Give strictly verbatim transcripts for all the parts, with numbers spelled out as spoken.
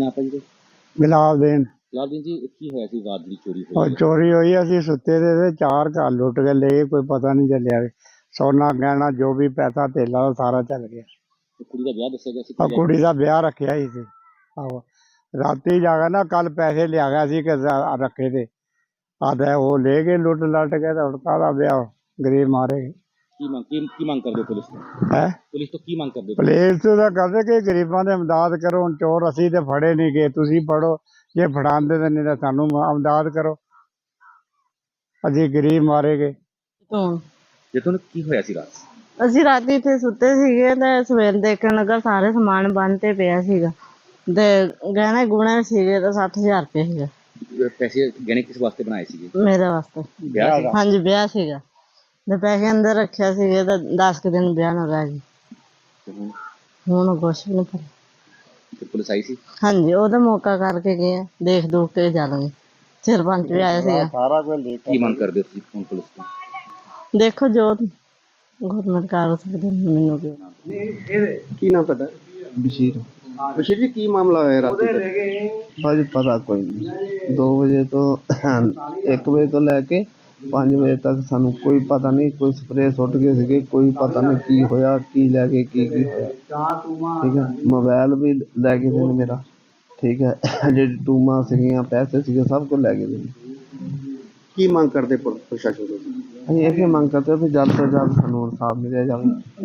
ਨਾ ਆਪਾਂ ਜੀ ਗੁਲਾਬ ਦੇਣ ਲਾਲ ਦਿਨ ਜੀ ਕੀ ਹੋਇਆ ਸੀ ਰਾਤ ਦੀ ਚੋਰੀ और ਹੋਈ चोरी हुई असी सुते दे ते चार घर लुट के ले गए, कोई पता नहीं चलिया। सोना गहना जो भी पैसा धेला वो सारा चल गया। ਕੁੜੀ ਦਾ ਵਿਆਹ ਦੱਸਿਆ ਗਿਆ ਸੀ और कुड़ी का ब्याह रखा ही सी। आहो राती जागा ना कल पैसे लिया गया सी कि रखे थे आधे वो ले गए लुट लट के तो काहदा ब्याह गरीब मारे गए। ਕੀ ਮੰਗ ਕੀ ਕੀ ਮੰਗ ਕਰਦੇ ਹੋ ਪੁਲਿਸ ਤੋਂ है ਪੁਲਿਸ ਤੋਂ ਕੀ ਮੰਗ ਕਰਦੇ ਹੋ पुलिस तो कहते कि गरीबों की इमदाद करो। हुण चोर असी तो फड़े नहीं गए, तुसी फड़ो जे फड़ांदे तो नहीं तो सानू इमदाद करो, असी गरीब मारे गए। ਤੋਂ ਜੇ ਤੁਹਾਨੂੰ ਕੀ ਹੋਇਆ ਸੀ ਰਾਤ ਅਸੀਂ ਰਾਤੀ ਇੱਥੇ ਸੁੱਤੇ ਸੀਗੇ ਤੇ ਸਵੇਰ ਦੇਖਣ ਲੱਗਾ ਸਾਰੇ ਸਮਾਨ ਬੰਨ ਤੇ ਪਿਆ ਸੀਗਾ ਤੇ ਗਹਿਣੇ ਗੁਣੇ ਸੀਗੇ ਤਾਂ ਸੱਠ ਹਜ਼ਾਰ ਰੁਪਏ ਸੀਗਾ ਪੈਸੇ ਗਹਿਣੇ ਕਿਸ ਵਾਸਤੇ ਬਣਾਏ ਸੀਗੇ ਮੇਰੇ ਵਾਸਤੇ। ਵਿਆਹ ਸੀ? ਹਾਂਜੀ ਵਿਆਹ ਸੀਗਾ ਤੇ ਪੈਸੇ ਅੰਦਰ ਰੱਖਿਆ ਸੀਗੇ ਤਾਂ ਦਸ ਕੁ ਦਿਨ ਵਿਆਹ ਨੂੰ ਰਹਿ ਗਏ। ਤੇ ਹੁਣ ਹੁਣ ਕੁਛ ਵੀ ਨਹੀਂ ਪਤਾ। ਤੇ ਪੁਲਿਸ ਆਈ ਸੀ ਹਾਂਜੀ ਉਹਦਾ ਮੌਕਾ ਕਰਕੇ ਗਏ ਆ, ਦੇਖ ਦੂਖ ਕੇ ਜਾਣਗੇ। ਸਰਪੰਚ ਵੀ ਆਇਆ ਸੀਗਾ। सारा कुछ ले ਕੀ ਮੰਗ ਕਰਦੇ ਹੋ ਤੁਸੀਂ ਹੁਣ ਪੁਲਿਸ ਤੋਂ ਦੇਖੋ ਜੋ ਗੌਰਮੈਂਟ ਕਰ ਸਕਦੇ ਮੈਨੂੰ ਕੀ ਕੀ ਨਾਮ ਤੁਹਾਡਾ? बशीर ਬਸ਼ੀਰ ਜੀ ਕੀ ਮਾਮਲਾ ਹੋਇਆ ਰਾਤੀ ਦਾ? भाजी पता कोई नहीं। दो बजे तो एक बजे तो लैके पाँच बजे तक सानू कोई पता नहीं, कोई स्प्रे सुट गए थे, कोई पता नहीं की होया की लैके की की होया। ठीक है मोबाइल भी लै गए थे मेरा। ठीक है जी टूमा सीगियां पैसे सीगे सब कुछ लै गए थे। ਕੀ ਮੰਗ ਕਰਦੇ ਪੁਲ- ਪ੍ਰਸ਼ਾਸਨ ਤੋਂ? अं ये मांग करते भी जल्द तो जल्द सानू इंसाफ मिले जाए।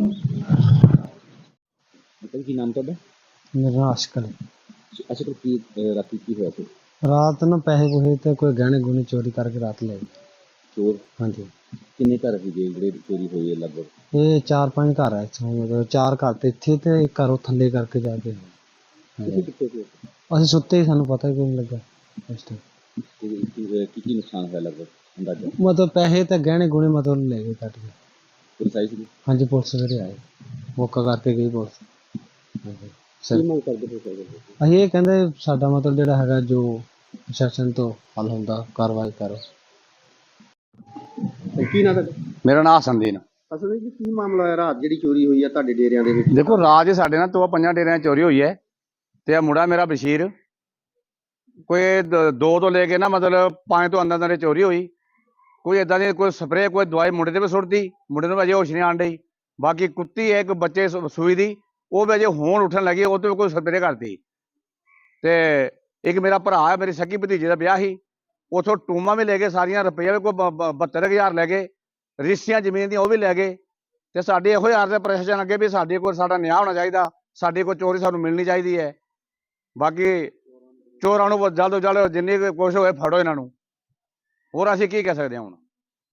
ਅੰਕਲ ਕੀ ਨਾਮ ਤੁਹਾਡਾ मेरा आशकल ਅੱਛਾ ਤੇ ਕੀ ਅਹ, ਰਾਤੀ ਕੀ ਹੋਇਆ ਸੀ रात ना पैसे पूसे तो कोई गहने गुहने चोरी करके रात ले गए। ਚੋਰ हाँ जी ਕਿੰਨੇ ਘਰ ਸੀਗੇ ਜਿਹੜੇ ਚੋਰੀ ਹੋਈ ਹੈ ਲਗਭਗ ये चार पांच घर है इत्थों, मतलब चार घर तो इत्थे ते एक घर ਉਹ ਥੱਲੇ ਕਰਕੇ ਜਾ ਕੇ ਤੁਸੀਂ ਕਿੱਥੇ ਸੀ ਅਸੀਂ ਸੁੱਤੇ ਹੀ, ਸਾਨੂੰ ਪਤਾ ਹੀ ਕੋਈ ਨਹੀਂ ਲੱਗਾ ਉਸ ਟਾਈਮ। ਤੇ ਕੀ ਕੀ ਕੀ ਨੁਕਸਾਨ ਹੋਇਆ ਲਗਭਗ ਅੰਦਾਜ਼ਾ ਮਤਲਬ ਪੈਸੇ ਤੇ ਗਹਿਣੇ ਗੁਣੇ ਮਤਲਬ ਲੈ ਗਏ ਕੱਟ ਕੇ। ਪੁਲਿਸ ਆਈ ਸੀ ਹਾਂਜੀ ਪੁਲਿਸ ਸਵੇਰੇ ਆਏ, ਮੌਕਾ ਕਰਕੇ ਗਈ ਪੁਲਿਸ। ਹਾਂਜੀ ਸਰ ਕੀ ਮੰਗ ਕਰਦੇ ਹੋ ਸਰ ਅਸੀਂ ਇਹ ਕਹਿੰਦੇ ਸਾਡਾ ਮਤਲਬ ਜਿਹੜਾ ਹੈਗਾ ਜੋ ਪ੍ਰਸ਼ਾਸਨ ਤੋਂ ਹੱਲ ਹੁੰਦਾ ਕਾਰਵਾਈ ਕਰੋ। ਤੇ ਕੀ ਨਾਮ ਤੁਹਾਡਾ? ਮੇਰਾ ਨਾਮ ਸੰਦੀਨ। ਅਸਲ ਵਿੱਚ ਕੀ ਮਾਮਲਾ ਹੋਇਆ ਰਾਤ ਜਿਹੜੀ ਚੋਰੀ ਹੋਈ ਆ ਤੁਹਾਡੇ ਡੇਰਿਆਂ ਦੇ ਵਿੱਚ? ਦੇਖੋ ਰਾਜ ਸਾਡੇ ਨਾਲ ਤੋਂ ਪੰਜਾਂ ਡੇਰਿਆਂ 'ਚ ਚੋਰੀ ਹੋਈ ਹੈ ਤੇ ਆ ਮੁੰਡਾ ਮੇਰਾ ਬਸ਼ੀਰ ਕੋਈ ਦ- ਦੋ ਤੋਂ ਲੈ ਕੇ ਨਾ ਮਤਲਬ ਪੰਜ ਤੋਂ ਅੰਦਰ ਅੰਦਰ ਚੋਰੀ ਹੋਈ। ਕੋਈ ਇਦਾਂ ਦੀ ਕੋਈ ਸਪਰੇਅ ਕੋਈ ਦਵਾਈ ਮੁੰਡੇ ਤੇ ਵੀ ਸੁੱਟਦੀ, ਮੁੰਡੇ ਨੂੰ ਅਜੇ ਹੋਸ਼ ਨਹੀਂ ਆਣ ਡਈ। ਬਾਕੀ ਕੁੱਤੀ ਹੈ ਇੱਕ ਬੱਚੇ ਸੁ- ਸੂਈ ਦੀ, ਉਹ ਵੀ ਅਜੇ ਹੋਣ ਉੱਠਣ ਲੱਗੀ, ਉਹ ਤੇ ਵੀ ਕੋਈ ਸਪਰੇਅ ਕਰਦੀ। ਤੇ ਇੱਕ ਮੇਰਾ ਭਰਾ ਹੈ, ਮੇਰੀ ਸਕੀ ਭਤੀਜੇ ਦਾ ਵਿਆਹ ਸੀ, ਉਥੋਂ ਟੂਮਾਂ ਵੀ ਲੈ ਗਏ ਸਾਰੀਆਂ, ਰੁਪਈਆ ਵੀ ਕੋਈ ਬਹੱਤਰ ਹਜ਼ਾਰ ਲੈ ਗਏ, ਰਿਸ਼ਤੀਆਂ ਜ਼ਮੀਨ ਦੀਆਂ ਉਹ ਵੀ ਲੈ ਗਏ। ਤੇ ਸਾਡੇ ਇਹੋ ਯਾਰ ਦੇ ਪ੍ਰਸ਼ਾਸਨ ਅੱਗੇ ਵੀ ਸਾਡੇ ਕੋਲ ਸਾਡਾ ਨਿਆਂ ਹੋਣਾ ਚਾਹੀਦਾ, ਸਾਡੀ ਕੋਈ ਚੋਰੀ ਸਾਨੂੰ ਮਿਲਣੀ ਚਾਹੀਦੀ ਹੈ। ਬਾਕੀ ਚੋਰਾਂ ਨੂੰ ਜਲਦ ਤੋਂ ਜਲਦ ਜਿੰਨੀ ਕੁ ਕੋਸ਼ਿਸ਼ ਹੋਏ ਫੜੋ ਇਹਨਾਂ ਨੂੰ, ਹੋਰ ਅਸੀਂ ਕੀ ਕਹਿ ਸਕਦੇ ਹਾਂ ਹੁਣ।